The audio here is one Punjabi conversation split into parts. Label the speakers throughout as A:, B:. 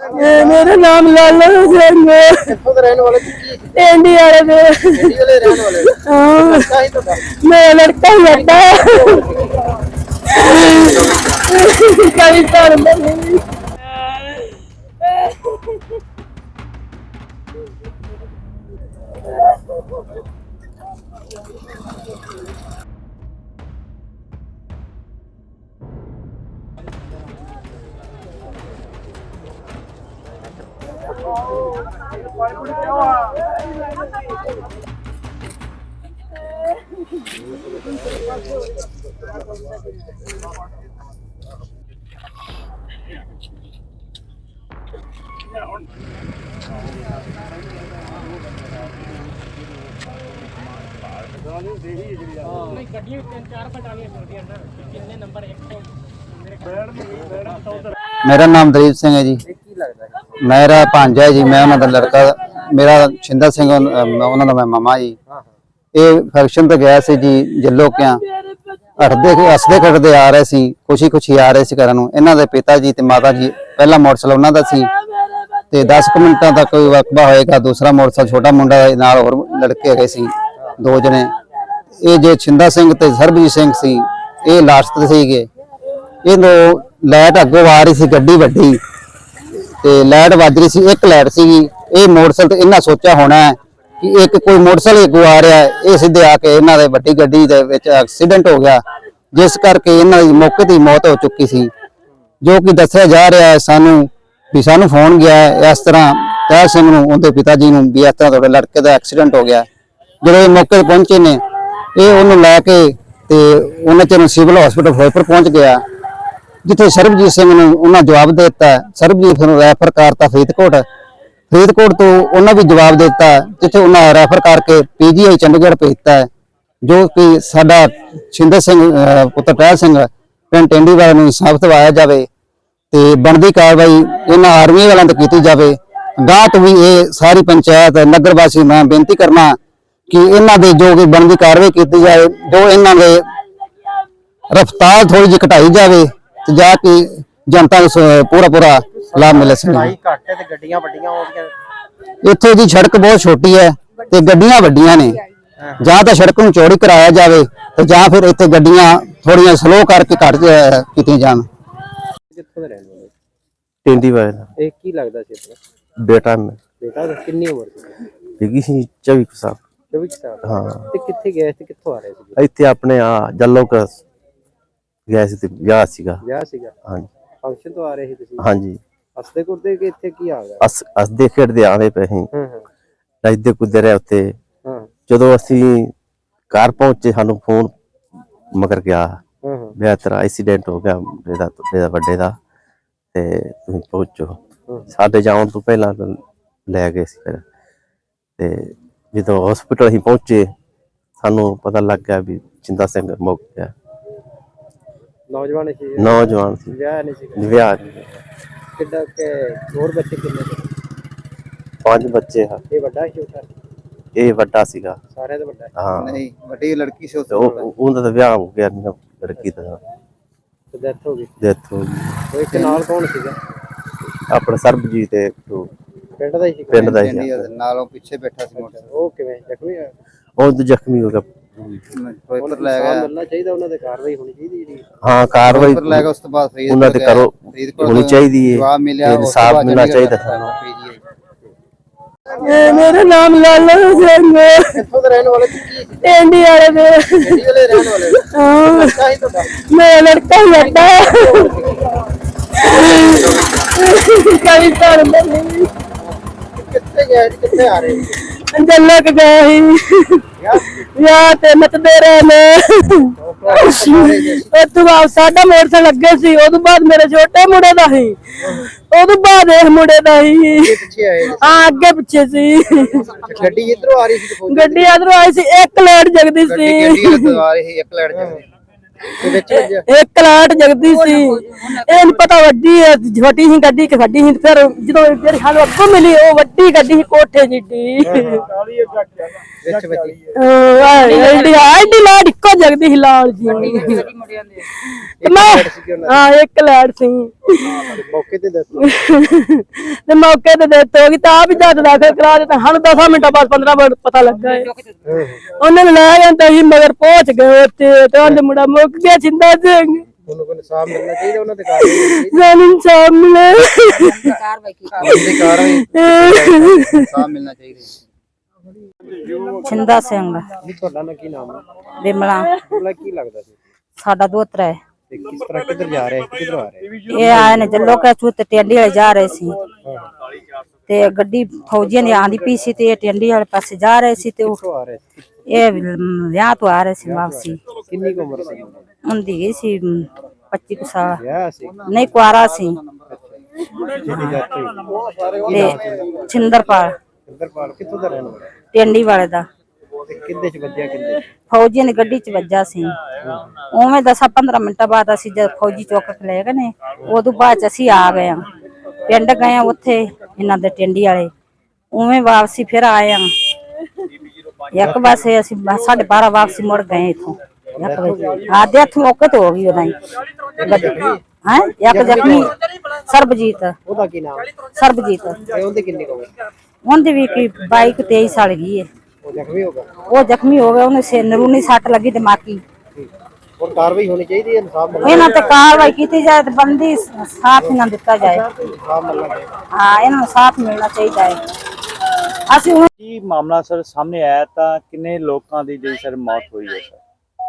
A: मेरा नाम लाला सिंह है।
B: ਕਿੱਥੋਂ ਦੇ ਰਹਿਣ ਵਾਲੇ ਕੀ
A: टेंडी वाले दे।
B: ਇੰਡੀ ਵਾਲੇ ਰਹਿਣ ਵਾਲੇ
A: हाँ,
B: ਲੜਕਾ ਹੀ ਤੁਹਾਡਾ
A: मेरा लड़का ही लड़का कभी कर नहीं।
C: मेरा नाम दलीप सिंह है जी।
B: ਕੀ ਲੱਗਦਾ ਹੈ
C: मेरा भांजा है जी। मैं उन्होंने लड़का मेरा शिंदा सिंह उन्होंने मैं मामा जी। ये फंक्शन तो गया सी जी जल्लो क्या हसदे खड़दे आ रहे सी खुशी खुशी आ रहे सी घर नूं। इन्हां दे पिता जी ते माता जी पहला मोटरसाइकिल उन्हां दा सी ते 10 मिनटां तक कोई वकबा होएगा दूसरा मोटरसाइकिल छोटा मुंडा नाल होर लड़के गए सी दो जने। ये जे शिंदा सिंह ते सरबजीत सिंह सी ये लास्ट ते सीगे। ये लाइट अगों आ रही सी गड्डी वड्डी ते लाइट वज रही सी एक लाइट सीगी। ये मोटरसाइकिल ते इन्हां सोचा होना है कि एक कोई मोटरसाइकिल अगों आ रहा है ये सीधे आके इन्हां दे वड्डी गड्डी दे विच एक्सीडेंट हो गया जिस करके इन्हां दी मौके ते मौत हो चुकी सी। जो कि दस्सिया जा रहा है सानू भी सानू फोन गया है इस तरह तैर सिंह नूं उनके पिता जी नूं भी इस तरह तुहाडे लड़के दा एक्सीडेंट हो गया। जो मौके ते पहुंचे ने ये उन्होंने लैके ते उन्हें चर सिविल हॉस्पिटल फिरोजपुर पहुंच गया जिथे सरबजीत सिंह ने उन्हें जवाब दे दिता। सरबजीत फिर रैफर करता फरीदकोट तो उन्हें भी जवाब देता जिथे उन्हें रैफर करके PGI चंडीगढ़ भेजता है। जो कि साडा शिंदा सिंह पुत्र टहल सिंह पिंड टेंडी वाले नूं इंसाफ दिवाया जाए ते बनदी कार्रवाई इन्हां आर्मी वालों ते कीती जाए। गांह तो भी ये सारी पंचायत नगर वासी मैं बेनती करना कि इन्हां दे जो बनदी कार्रवाई की जाए जो इन्हां दे रफ्तार थोड़ी जी घटाई जाए जाके जनता को पूरा लाभ मिले।
B: ਲੜਾਈ ਘੱਟ ਹੈ ਤੇ ਗੱਡੀਆਂ ਵੱਡੀਆਂ ਹੋ ਗਈਆਂ
C: इत्थे जी सड़क बहुत छोटी है ते गड्डियां वड्डियां ने जां तां सड़क नूं चौड़ी कराया जाए ते जां फिर इत्थे गड्डियां थोड़ियां स्लो करके घट कीतियां जाण।
B: ਕਿੱਥੋਂ ਦੇ ਰਹਿਣ ਵਾਲੇ
D: टेंडी वाले दा
B: ਇਹ ਕੀ ਲੱਗਦਾ ਸੀ ਆਪਣਾ
D: बेटा में
B: ਬੇਟਾ ਦਾ ਕਿੰਨੀ ਉਮਰ ਸੀ
D: बिगी सी 24 साल
B: 24 ਸਾਲ
D: हाँ
B: ਤੇ ਕਿੱਥੇ ਗਏ ਸੀ ਕਿੱਥੋਂ ਆ ਰਹੇ ਸੀ
D: इत्थे अपने जल्लो का गया सी ते विआह सीगा।
B: ਵਿਆਹ ਸੀਗਾ
D: हाँ
B: ਫੰਕਸ਼ਨ ਤੋਂ ਆ ਰਹੇ ਸੀ ਤੁਸੀਂ
D: हाँ जी
B: ਹੱਸਦੇ ਕੁੱਟਦੇ ਕਿ ਇੱਥੇ ਕੀ ਆ ਗਿਆ
D: हसदे खेडदे आंदे पे ही
B: ਹਾਂ
D: नचदे कुददे रहे उत्ते
B: ਹਾਂ
D: जदों असीं घर पहुंचे सानू फोन मगर गया
B: ਹਾਂ
D: भी तेरा एक्सीडेंट हो गया बेटा बड़े दा ते तुसीं पहुंचो। साडे जाण तो पहला लै गए सी फिर ते जदों हॉस्पिटल असीं पहुंचे सानू पता लग गया भी शिंदा सिंह मुक गया।
B: ਨੌਜਵਾਨ ਸੀ
D: नौजवान सी
B: ਵਿਆਹ ਨਹੀਂ ਸੀ
D: विआह
B: ਕਿੱਡਾ ਕਿ ਹੋਰ ਬੱਚੇ ਕਿੰਨੇ ਸੀ
D: 5 बच्चे हैं।
B: ਇਹ ਵੱਡਾ ਸੀ ਛੋਟਾ
D: ये वड्डा सीगा
B: ਸਾਰਿਆਂ ਦਾ ਵੱਡਾ ਹੈ।
D: हाँ
C: नहीं वड्डी लड़की से
D: ते उनदा तां विआह हो गया लड़की दा
B: ਤੇ ਡੈਥ ਹੋ ਗਈ
D: डेथ हो गई।
B: ਉਹ ਇੱਕ ਨਾਲ ਕੌਣ ਸੀਗਾ
D: अपना सरबजीत ते
B: ਪਿੰਡ ਦਾ ਹੀ ਸੀ
D: पिंड दा ही
C: नालों पीछे बैठा सी मोटरसाइकिल
B: ਉਹ ਕਿਵੇਂ ਜ਼ਖਮੀ ਆ
D: ਉਹ ਤਾਂ ਜ਼ਖਮੀ ਹੋ ਗਿਆ।
C: फिरोजपुर ले
B: ਇਨਸਾਨ
C: गया
B: ਮਿਲਣਾ ਚਾਹੀਦਾ ਉਹਨਾਂ ਤੇ ਕਾਰਵਾਈ ਹੋਣੀ ਚਾਹੀਦੀ ਜਿਹੜੀ
D: ਹਾਂ ਕਾਰਵਾਈ
C: फिरोजपुर ले गया उस तो बाद फरीदकोट
D: ਉਹਨਾਂ ਤੇ
C: गया।
D: ਕਰੋ
C: फरीदकोट
D: ਹੋਣੀ ਚਾਹੀਦੀ ਹੈ
C: जवाब मिला
D: ਤੇ ਇਨਸਾਫ ਮਿਲਣਾ ਚਾਹੀਦਾ।
A: मेरा नाम लाला सिंह है।
B: ਕਿੱਥੋਂ ਦੇ ਰਹਿਣ ਵਾਲੇ ਕੀ
A: टेंडी वाले दे।
B: ਇੰਡੀ ਵਾਲੇ ਰਹਿਣ ਵਾਲੇ
A: हाँ,
B: ਲੜਕਾ ਹੀ ਤੁਹਾਡਾ
A: मेरा लड़का ही लड़का कभी कर नहीं।
B: ਕਿੱਥੇ ਗਏ ਸੀ ਕਿੱਥੇ ਆ ਰਹੇ ਸੀ
A: जल्लो के गए ही ਵਿਆਹ ਤੇ ਨੱਚਦੇ ਰਹੇ ਨੇ। ਉਹ ਤੋਂ ਬਾਅਦ ਸਾਡਾ ਮੋਟਰਸਾਈਕਲ ਲੱਗੇ ਸੀ ਉਹ ਤੋਂ ਬਾਅਦ ਮੇਰੇ ਛੋਟੇ ਮੁੰਡੇ ਦਾ ਸੀ ਉਹ ਤੋਂ ਬਾਅਦ ਇਹ ਮੁੰਡੇ ਦਾ ਸੀ
B: ਪਿੱਛੇ ਆਏ
A: ਹਾਂ ਅੱਗੇ ਪਿੱਛੇ ਸੀ
B: ਗੱਡੀ ਇਧਰੋਂ ਆ ਰਹੀ ਸੀ
A: ਗੱਡੀ ਇਧਰੋਂ ਆਈ ਸੀ ਇੱਕ ਲਾਈਟ ਜਗਦੀ ਸੀ
C: ਗੱਡੀ ਆ ਰਹੀ ਸੀ ਇੱਕ ਲਾਈਟ
B: ਤੇ ਵਿੱਚ ਵੱਜਿਆ
A: ਇੱਕ ਲਾਟ ਜਗਦੀ ਸੀ, ਇਹ ਨੀ ਪਤਾ ਵੱਡੀ ਹੈ ਛੋਟੀ ਸੀ ਗੱਡੀ ਕਿ ਵੱਡੀ ਸੀ। ਫਿਰ ਜਦੋਂ ਜਿਹੜੀ ਸਾਨੂੰ ਅੱਗੋਂ ਮਿਲੀ ਉਹ ਵੱਡੀ ਗੱਡੀ ਸੀ ਕੋਠੇ ਜਿੱਡੀ,
B: ਵਿੱਚ ਵੱਜੀ
A: ਐਡੀ ਲਾਟ ਇੱਕੋ ਜਗਦੀ ਸੀ ਲਾਲ ਜੀ। ਤੇ ਮੈਂ ਹਾਂ ਇੱਕ ਲਾਟ ਸੀ
B: ਮੌਕੇ ਤੇ ਦੱਸੋ
A: ਤੇ ਮੌਕੇ ਤੇ ਡੈਥ ਹੋ ਗਈ ਤਾਂ ਆਪ ਹੀ ਜਦ ਦਾਖਲ ਕਰਾ ਦਿੱਤਾ। ਸਾਨੂੰ 10 ਮਿੰਟਾਂ ਬਾਅਦ 15 ਮਿੰਟ ਪਤਾ ਲੱਗਾ ਹੈ। ਉਹਨਾਂ ਨੇ ਲੈ ਜਾਂਦਾ ਸੀ ਮਗਰ ਪਹੁੰਚ ਗਏ ਉੱਥੇ ਤੇ ਉਹਦੇ ਮੁੰਡਾ ਮੁੱਕ ਗਿਆ ਜਿੰਦਾ ਸਿੰਘ।
B: ਉਹਨੂੰ ਕੋਈ ਇਨਸਾਫ ਮਿਲਣਾ ਚਾਹੀਦਾ, ਉਹਨਾਂ ਦੇ ਕਾਰਵਾਈ
A: ਸਾਨੂੰ ਇਨਸਾਫ ਮਿਲੇ।
C: ਇਨਸਾਫ ਮਿਲਣਾ ਚਾਹੀਦਾ।
E: ਛਿੰਦਾ ਸਿੰਘ
B: ਨਹੀਂ ਤੁਹਾਡਾ ਨਾ ਕੀ ਨਾਮ ਹੈ?
E: ਬਿਮਲਾ
B: ਉਹਦਾ ਕੀ ਲੱਗਦਾ ਸੀ
E: ਸਾਡਾ ਦੋਤਰਾ ਹੈ।
B: ਤੇ ਕਿਸ ਤਰ੍ਹਾਂ ਕਿੱਧਰ ਜਾ ਰਿਹਾ ਸੀ, ਕਿੱਧਰੋਂ ਆ ਰਿਹਾ
E: ਇਹ ਆਏ ਨੇ ਜੱਲੋ ਕੇ ਚੂਤ ਟੈਂਡੀ ਵਾਲੇ ਜਾ ਰਹੇ ਸੀ ਤੇ ਗੱਡੀ ਫੌਜੀਆਂ ਦੀ ਆਂਦੀ ਪਈ ਸੀ ਤੇ ਇਹ ਟੈਂਡੀ ਵਾਲੇ ਪਾਸੇ ਜਾ ਰਹੇ ਸੀ ਤੇ ਉਹ
B: ਕਿੱਥੋਂ ਆ ਰਿਹਾ ਸੀ?
E: ਇਹ ਵਿਆਹ ਤੋਂ ਆ ਰਹੇ ਸੀ ਵਾਪਸੀ।
B: ਕਿੰਨੀ ਕੁ ਉਮਰ ਸੀ?
E: ਹੁੰਦੀ ਗਈ ਸੀ 25 ਕੁ ਸਾਲ,
B: ਵਿਆਹ ਸੀ
E: ਨਹੀਂ ਕੁਆਰਾ ਸੀ।
B: ਜਿਹਦੀ death ਹੋਈ।
E: ਤੇ ਛਿੰਦਰਪਾਲ
B: ਇੰਦਰਪਾਲ ਕਿੱਥੋਂ ਦਾ ਰਹਿਣ ਵਾਲਾ?
E: ਟੈਂਡੀ ਵਾਲੇ ਦਾ
B: ਤੇ ਕਿੰਦੇ ਚ ਵੱਜਿਆ, ਕਿੰਦੇ
E: ਫੌਜੀਆਂ ਦੀ ਗੱਡੀ 'ਚ ਵੱਜਾ ਸੀ। ਉਵੇਂ 10-15 ਮਿੰਟਾਂ ਬਾਅਦ ਅਸੀਂ ਜਦ ਫੌਜੀ ਚੁੱਕ ਕੇ ਲੈ ਗਏ ਨੇ ਉਦੋਂ ਬਾਅਦ 'ਚ ਅਸੀਂ ਆ ਗਏ ਆ ਪਿੰਡ ਗਏ ਆ ਉੱਥੇ ਇਹਨਾਂ ਦੇ ਟੈਂਡੀ ਵਾਲੇ। ਉਵੇਂ ਵਾਪਸੀ ਫਿਰ ਆਏ ਆ ਇੱਕ ਪਾਸੇ ਅਸੀਂ 12:30 ਵਾਪਸੀ ਮੁੜ ਗਏ ਇਥੋਂ 1 ਵਜੇ। ਆਦੇ ਹੱਥ ਮੌਕੇ ਤੇ ਹੋ ਗਈ ਉਹਦਾ ਹਾਂ ਇੱਕ ਜ਼ਖਮੀ ਸਰਬਜੀਤ
B: ਉਹਦਾ ਕੀ ਨਾਮ?
E: ਸਰਬਜੀਤ
B: ਤੇ ਉਹਦੇ ਕਿੰਨੀ ਕੁ ਉਮਰ?
E: ਉਹਦੀ ਵੀ ਕੀ 22-23 ਸਾਲ ਗਈ ਹੈ।
B: ਉਹ ਜ਼ਖਮੀ ਹੋ ਗਿਆ।
E: ਉਹ ਜ਼ਖਮੀ ਹੋ ਗਿਆ, ਉਹਨੇ ਸਿਰ ਨਰੂਨੀ ਸੱਟ ਲੱਗੀ ਦਿਮਾਗੀ।
B: ਔਰ ਕਾਰਵਾਈ ਹੋਣੀ ਚਾਹੀਦੀ ਹੈ, ਇਨਸਾਫ ਮਿਲਣਾ
E: ਇਹਨਾਂ ਤੇ ਕਾਰਵਾਈ ਕੀਤੀ ਜਾਏ ਤੇ ਬੰਦੀ ਸਾਥ ਇਹਨਾਂ ਦਿੱਤਾ ਜਾਏ।
B: ਇਨਸਾਫ ਮਿਲਣਾ ਚਾਹੀਦਾ।
E: ਹਾਂ ਇਹਨਾਂ ਨੂੰ ਸਾਥ ਮਿਲਣਾ ਚਾਹੀਦਾ ਹੈ। ਅਸੀਂ ਹੁਣ
F: ਕੀ ਮਾਮਲਾ ਸਰ ਸਾਹਮਣੇ ਆਇਆ ਤਾਂ ਕਿੰਨੇ ਲੋਕਾਂ ਦੀ ਜਿਹੜੀ ਸਰ ਮੌਤ ਹੋਈ ਹੈ ਸਰ?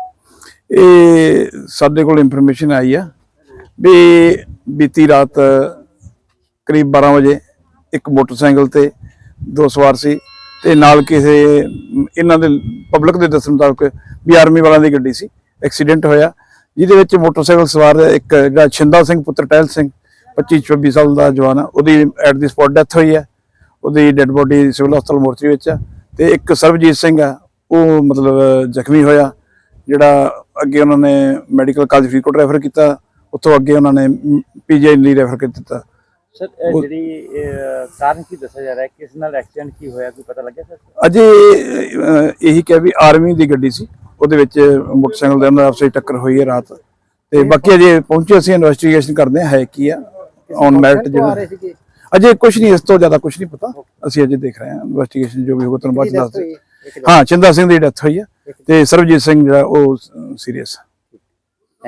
G: ਇਹ ਸਾਡੇ ਕੋਲ ਇਨਫੋਰਮੇਸ਼ਨ ਆਈ ਆ ਵੀ ਬੀਤੀ ਰਾਤ ਕਰੀਬ 12 ਵਜੇ ਇੱਕ ਮੋਟਰਸਾਈਕਲ ਤੇ 2 ਸਵਾਰ ਸੀ ਤੇ ਨਾਲ ਕਿਸੇ ਇਹਨਾਂ ਦੇ ਪਬਲਿਕ ਦੇ ਦੱਸਣ ਮੁਤਾਬਕ ਵੀ ਆਰਮੀ ਵਾਲਿਆਂ ਦੀ ਗੱਡੀ ਸੀ। ਐਕਸੀਡੈਂਟ ਹੋਇਆ ਜਿਹਦੇ ਵਿੱਚ ਮੋਟਰਸਾਈਕਲ ਸਵਾਰ ਇੱਕ ਜਿਹੜਾ ਛਿੰਦਾ ਸਿੰਘ ਪੁੱਤਰ ਟਹਿਲ ਸਿੰਘ 25-26 ਸਾਲ ਦਾ ਜਵਾਨ ਆ, ਉਹਦੀ ਐਟ ਦੀ ਸਪੌਟ ਡੈਥ ਹੋਈ ਹੈ। ਉਹਦੀ ਡੈੱਡ ਬੋਡੀ ਸਿਵਲ ਹਸਪਤਾਲ ਮੋਰਚਰੀ ਵਿੱਚ ਆ ਤੇ ਇੱਕ ਸਰਬਜੀਤ ਸਿੰਘ ਆ ਉਹ ਮਤਲਬ ਜ਼ਖਮੀ ਹੋਇਆ, ਜਿਹੜਾ ਅੱਗੇ ਉਹਨਾਂ ਨੇ ਮੈਡੀਕਲ ਕਾਲਜ ਫਰੀਦਕੋਟ ਰੈਫਰ ਕੀਤਾ, ਉੱਥੋਂ ਅੱਗੇ ਉਹਨਾਂ ਨੇ ਪੀਜੀਆਈ ਲਈ ਰੈਫਰ ਕਰ ਦਿੱਤਾ।
F: ਸਰ ਜਿਹੜੀ ਕਾਰਨ ਕੀ ਦੱਸਿਆ ਜਾ ਰਿਹਾ ਹੈ, ਕਿਸ ਨਾਲ ਐਕਸੀਡੈਂਟ ਕੀ ਹੋਇਆ, ਕੋਈ ਪਤਾ ਲੱਗਿਆ ਸਰ?
G: ਅਜੇ ਇਹੀ ਕਿਹਾ ਵੀ ਆਰਮੀ ਦੀ ਗੱਡੀ ਸੀ, ਉਹਦੇ ਵਿੱਚ ਮੋਟਰਸਾਈਕਲ ਦੇ ਨਾਲ ਆਪਸ ਵਿੱਚ ਟੱਕਰ ਹੋਈ ਹੈ ਰਾਤ। ਤੇ ਬਾਕੀ ਅਜੇ ਪਹੁੰਚੇ ਅਸੀਂ ਇਨਵੈਸਟੀਗੇਸ਼ਨ ਕਰਦੇ ਹਾਂ ਹੈ ਕੀ ਆ ਔਨ ਮੈਰਿਟ ਜਿਹੜਾ ਅਜੇ ਕੁਝ ਨਹੀਂ, ਇਸ ਤੋਂ ਜ਼ਿਆਦਾ ਕੁਝ ਨਹੀਂ ਪਤਾ। ਅਸੀਂ ਅਜੇ ਦੇਖ ਰਹੇ ਹਾਂ ਇਨਵੈਸਟੀਗੇਸ਼ਨ ਜੋ ਵੀ ਹੋਊਗਾ ਤੁਹਾਨੂੰ ਬਾਅਦ ਚ ਦੱਸ ਦੇ। ਹਾਂ ਛਿੰਦਾ ਸਿੰਘ ਦੀ ਡੈਥ ਹੋਈ ਹੈ ਤੇ ਸਰਬਜੀਤ ਸਿੰਘ ਜਿਹੜਾ ਉਹ ਸੀਰੀਅਸ।